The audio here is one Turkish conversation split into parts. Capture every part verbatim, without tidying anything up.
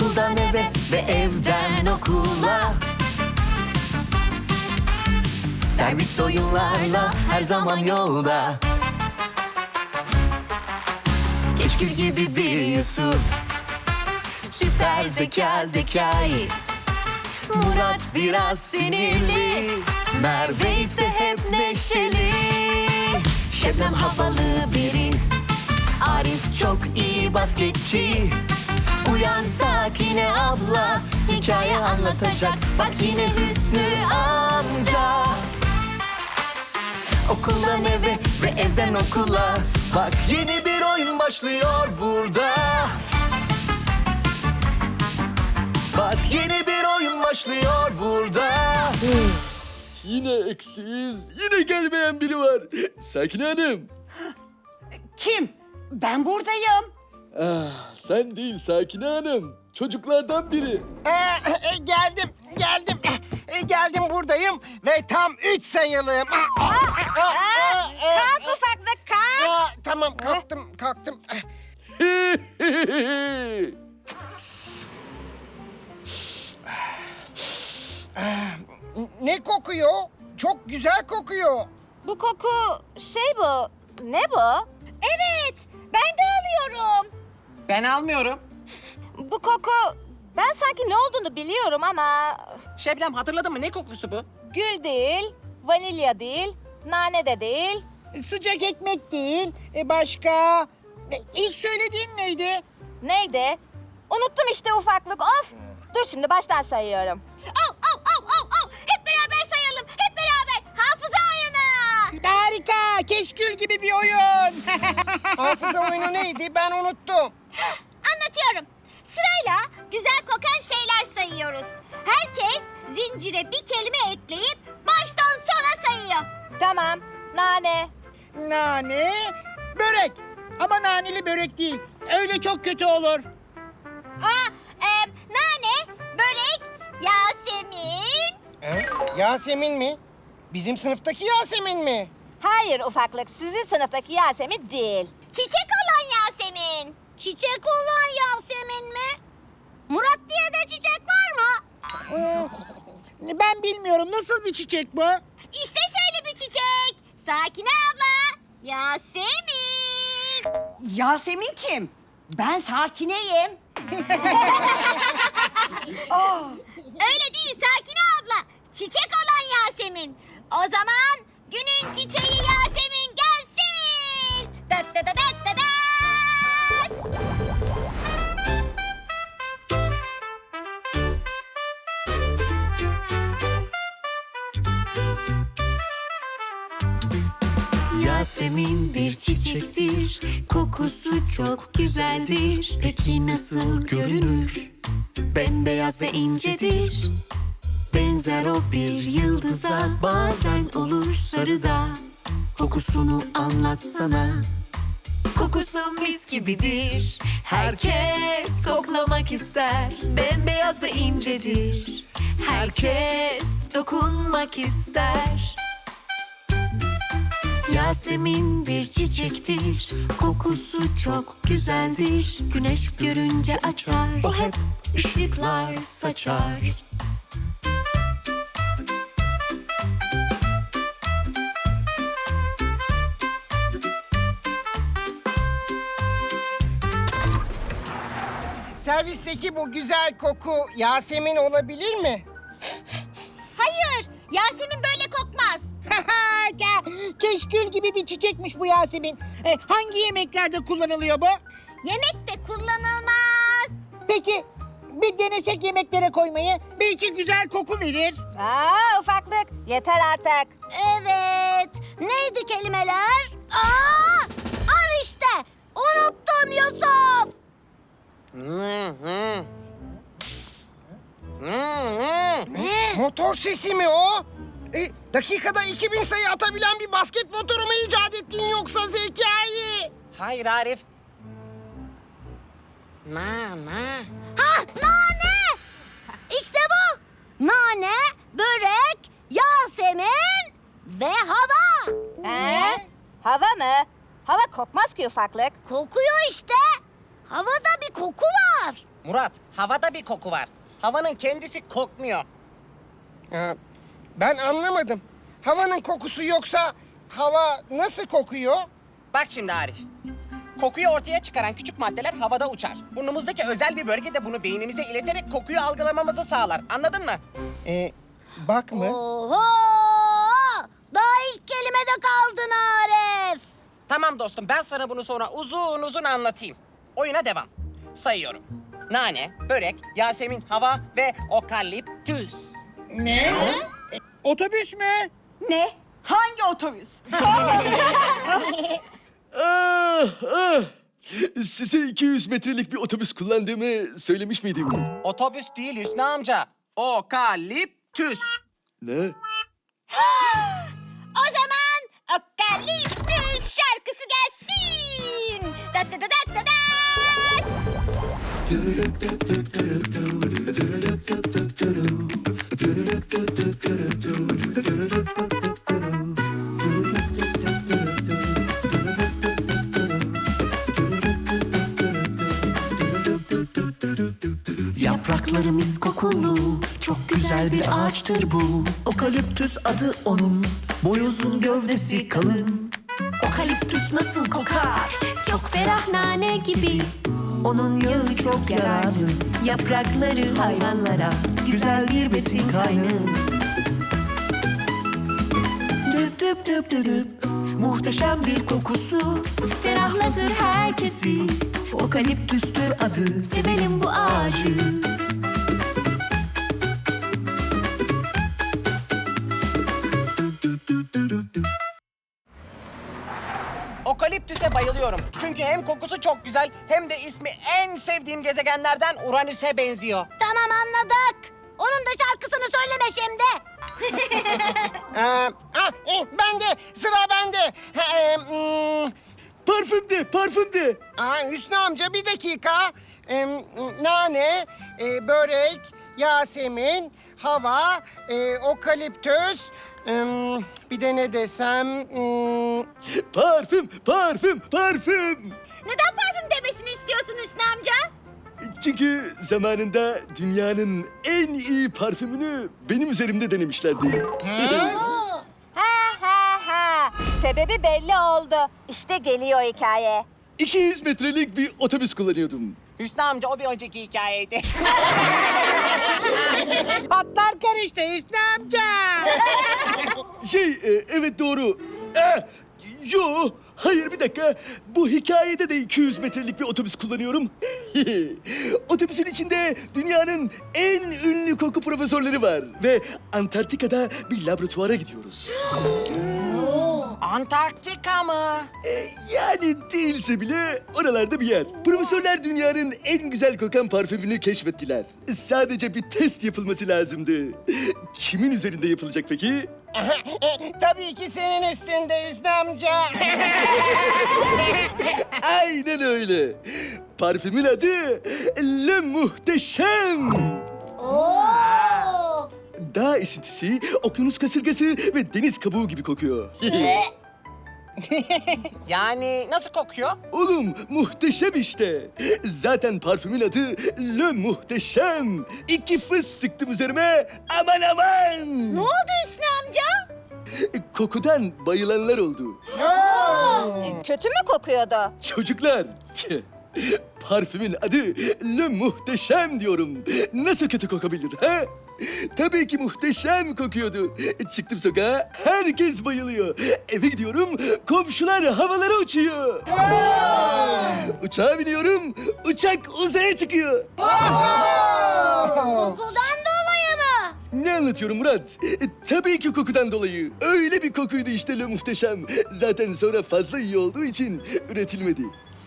Okuldan eve ve evden okula. Servis oyunlarla her zaman yolda. Keşkül gibi bir Yusuf, süper zeka Zekai. Murat biraz sinirli, Merve ise hep neşeli. Şebnem havalı biri, Arif çok iyi basketçi. Uyan Sakine abla, hikaye anlatacak. Bak yine Hüsnü amca. Okuldan eve ve evden okula. Bak yeni bir oyun başlıyor burada. Bak yeni bir oyun başlıyor burada. Yine eksiyiz. Yine gelmeyen biri var. Sakine Hanım. Kim? Ben buradayım. Ah, sen değil Sakine Hanım. Çocuklardan biri. Ee, e, geldim, geldim. E, geldim buradayım ve tam üç sayılım. Kalk ufaklık kalk. Aa, tamam, kalktım, kalktım. Ne kokuyor? Çok güzel kokuyor. Bu koku şey bu. Ne bu? Evet ben de alıyorum. Ben almıyorum. Bu koku ben sanki ne olduğunu biliyorum ama Şebnem hatırladın mı? Ne kokusu bu? gül değil, vanilya değil, nane de değil. Sıcak ekmek değil. E, başka? E, ilk söylediğin neydi? Neydi? Unuttum işte ufaklık of. Dur şimdi baştan sayıyorum. Av av av av av. Hep beraber sayalım. Hep beraber. Hafıza oyunu. Harika, keşkül gibi bir oyun. Hafıza oyunu neydi? Ben unuttum. Anlatıyorum. Sırayla güzel kokan şeyler sayıyoruz. Herkes zincire bir kelime ekleyip baştan sona sayıyor. Tamam. Nane. Nane, börek. Ama naneli börek değil. Öyle çok kötü olur. Aa, e, nane, börek, Yasemin. E, Yasemin mi? Bizim sınıftaki Yasemin mi? Hayır ufaklık sizin sınıftaki Yasemin değil. Çiçek olan Yasemin. Çiçek olan Yasemin mi? Murat diye de çiçek var mı? Ee, ben bilmiyorum. Nasıl bir çiçek bu? İşte şöyle bir çiçek. Sakine abla. Yasemin. Yasemin kim? Ben Sakine'yim. Öyle değil Sakine abla. Çiçek olan Yasemin. O zaman günün çiçeği Yasemin gelsin. Dat dat dat dat dat. Yasemin bir çiçektir, kokusu çok güzeldir. Peki nasıl görünür? Bembeyaz ve incedir. Benzer o bir yıldıza, bazen olur sarıda. Kokusunu anlatsana. Kokusu mis gibidir. Herkes koklamak ister. Bembeyaz ve incedir. Herkes dokunmak ister. Yasemin bir çiçektir, kokusu çok güzeldir. Güneş görünce açar, o hep ışıklar saçar. Servisteki bu güzel koku Yasemin olabilir mi? Hayır, Yasemin böyle kokmaz. Keşkül gibi bir çiçekmiş bu Yasemin. E, hangi yemeklerde kullanılıyor bu? Yemekte kullanılmaz. Peki bir denesek yemeklere koymayı. Belki güzel koku verir. Aa ufaklık yeter artık. Evet. Neydi kelimeler? Aa! Al işte. Unuttum Yusuf. Ne? Motor sesi mi o? E, dakikada iki bin sayı atabilen bir basket motoru mu icat ettin yoksa Zekai? Hayır Arif. Na na. Ha, nane. İşte bu. Nane, börek, Yasemin ve hava. Ee? Hava mı? Hava kokmaz ki ufaklık. Kokuyor işte. Havada bir koku var. Murat, havada bir koku var. Havanın kendisi kokmuyor. Ha, ben anlamadım. Havanın kokusu yoksa hava nasıl kokuyor? Bak şimdi Arif. Kokuyu ortaya çıkaran küçük maddeler havada uçar. Burnumuzdaki özel bir bölge de bunu beynimize ileterek kokuyu algılamamızı sağlar. Anladın mı? Ee, bak mı? Oho! Daha ilk kelimede kaldın Arif. Tamam dostum, ben sana bunu sonra uzun uzun anlatayım. Oyuna devam. Sayıyorum. Nane, börek, Yasemin, hava ve okaliptüs. Otobüs mü? Ne? Hangi otobüs? Ah, ah. Size iki yüz metrelik bir otobüs kullandığımı söylemiş miydim? Otobüs değil Hüsnü amca. Okaliptüs. Ne? O zaman okaliptüs şarkısı gelsin. Dat dat dat dat dat. Yaprakları mis kokulu, çok güzel bir ağaçtır bu. Okaliptüs adı onun, boy uzun gövdesi kalın. Okaliptüs nasıl kokar? Çok ferah nane gibi, Onun yağı çok yararlı, yaprakları hayvanlara. güzel bir besin kaynağı. Düp düp düp düp düp, muhteşem bir kokusu. Ferahlatır herkesi, Okaliptüstür adı, sevelim bu ağacı. Okaliptüse bayılıyorum. Çünkü hem kokusu çok güzel hem de ismi en sevdiğim gezegenlerden Uranüs'e benziyor. Tamam anladık. Onun da şarkısını söyleme şimdi. Ee, ah, e, ben de, sıra bende. Ha, e, hmm, Parfüm de, parfüm de. aa, Hüsnü amca bir dakika. Ee, nane, e, börek, Yasemin, hava, e, okaliptüs. Ee, bir de ne desem? Hmm, Parfüm, parfüm, parfüm. Neden parfüm demesini istiyorsun Hüsnü amca? Çünkü zamanında dünyanın en iyi parfümünü benim üzerimde denemişlerdi. Ha ha ha. Sebebi belli oldu. İşte geliyor hikaye. iki yüz metrelik bir otobüs kullanıyordum. Hüsnü amca o bir önceki hikayeydi. Hatlar karıştı Hüsnü amca. Şey, e, evet doğru. Eh, yo, hayır bir dakika. Bu hikayede de iki yüz metrelik bir otobüs kullanıyorum. Otobüsün içinde dünyanın en ünlü koku profesörleri var. Ve Antarktika'da bir laboratuvara gidiyoruz. Antarktika mı? E, yani değilse bile oralarda bir yer. Profesörler dünyanın en güzel kokan parfümünü keşfettiler. Sadece bir test yapılması lazımdı. Kimin üzerinde yapılacak peki? E, tabii ki senin üstünde Hüsnü amca. Aynen öyle. Parfümün adı Le Muhteşem. Oo! Dağ esintisi, okyanus kasırgası ve deniz kabuğu gibi kokuyor. Yani nasıl kokuyor? Oğlum muhteşem işte. Zaten parfümün adı Le Muhteşem. İki fıs sıktım üzerime. Aman aman. Ne oldu Hüsnü amca? Kokudan bayılanlar oldu. Kötü mü kokuyordu? Çocuklar. Parfümün adı Le Muhteşem diyorum. Nasıl kötü kokabilir ha? Tabii ki muhteşem kokuyordu. Çıktım sokağa, herkes bayılıyor. Eve gidiyorum, komşular havalara uçuyor. Uçağa biniyorum, uçak uzaya çıkıyor. Kokudan dolayı mı? Ne anlatıyorum Murat? E, tabii ki kokudan dolayı. Öyle bir kokuydu işte Le Muhteşem. Zaten sonra fazla iyi olduğu için üretilmedi.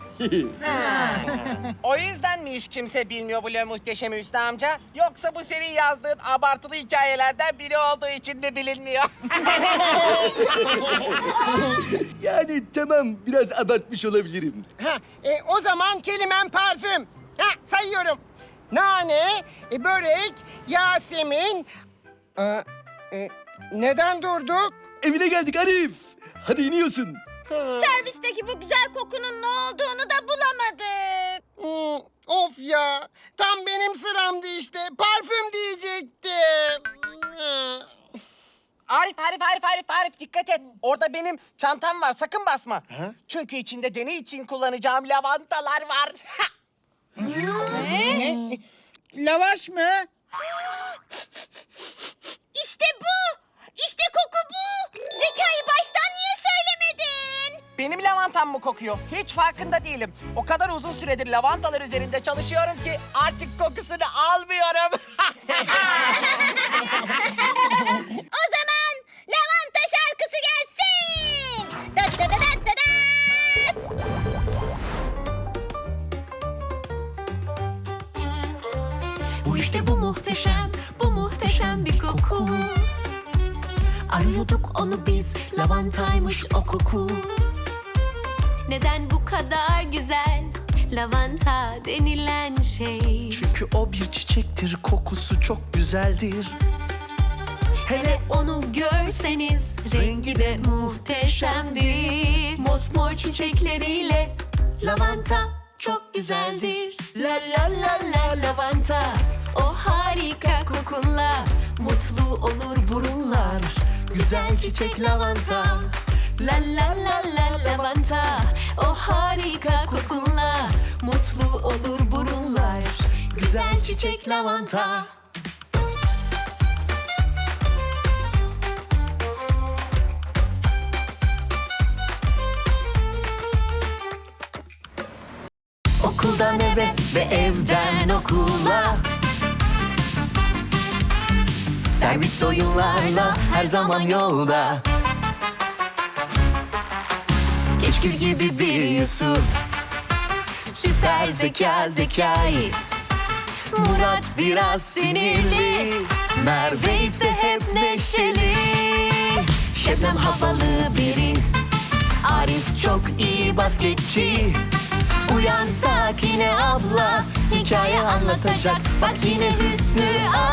O yüzden mi hiç kimse bilmiyor bu Le Muhteşem'i Hüsnü amca? Yoksa bu senin yazdığın abartılı hikayelerden biri olduğu için mi bilinmiyor? Yani tamam biraz abartmış olabilirim. Ha, e, o zaman kelimem parfüm. Ha, sayıyorum. Nane, e, börek, Yasemin. Aa, e, neden durduk? Evine geldik Arif. Hadi iniyorsun. Servisteki bu güzel kokunun ne olduğunu da bulamadık. Hmm, of ya. Tam benim sıramdı işte. Parfüm diyecektim. Hmm. Arif, Arif, Arif, Arif, Arif dikkat et. Orada benim çantam var, sakın basma. Çünkü içinde deney için kullanacağım lavantalar var. Lavaş mı? İşte bu. İşte koku bu. Zekai baştan niye söylemedin? Benim lavantam mı kokuyor? Hiç farkında değilim. O kadar uzun süredir lavantalar üzerinde çalışıyorum ki artık kokusunu almıyorum. O zaman lavanta şarkısı gelsin. Dat dat dat dat dat. Bu işte bu muhteşem, bu muhteşem bir koku. Arıyorduk onu biz, lavantaymış o koku. Neden bu kadar güzel lavanta denilen şey? Çünkü o bir çiçektir, kokusu çok güzeldir. Hele onu görseniz rengi de muhteşemdir. Mosmor çiçekleriyle lavanta çok güzeldir. La la la la lavanta, o harika kokunla mutlu olur burunlar. Güzel çiçek lavanta. La la la la lavanta, o harika kokunla mutlu olur burunlar. Güzel çiçek lavanta. Okuldan eve ve evden okula, servis oyunlarla her zaman yolda. Keşkül gibi bir Yusuf, süper zeka Zekai. Murat biraz sinirli, Merve ise hep neşeli. Şebnem havalı biri, Arif çok iyi basketçi. Uyan Sakine abla, hikaye anlatacak. Bak yine Hüsnü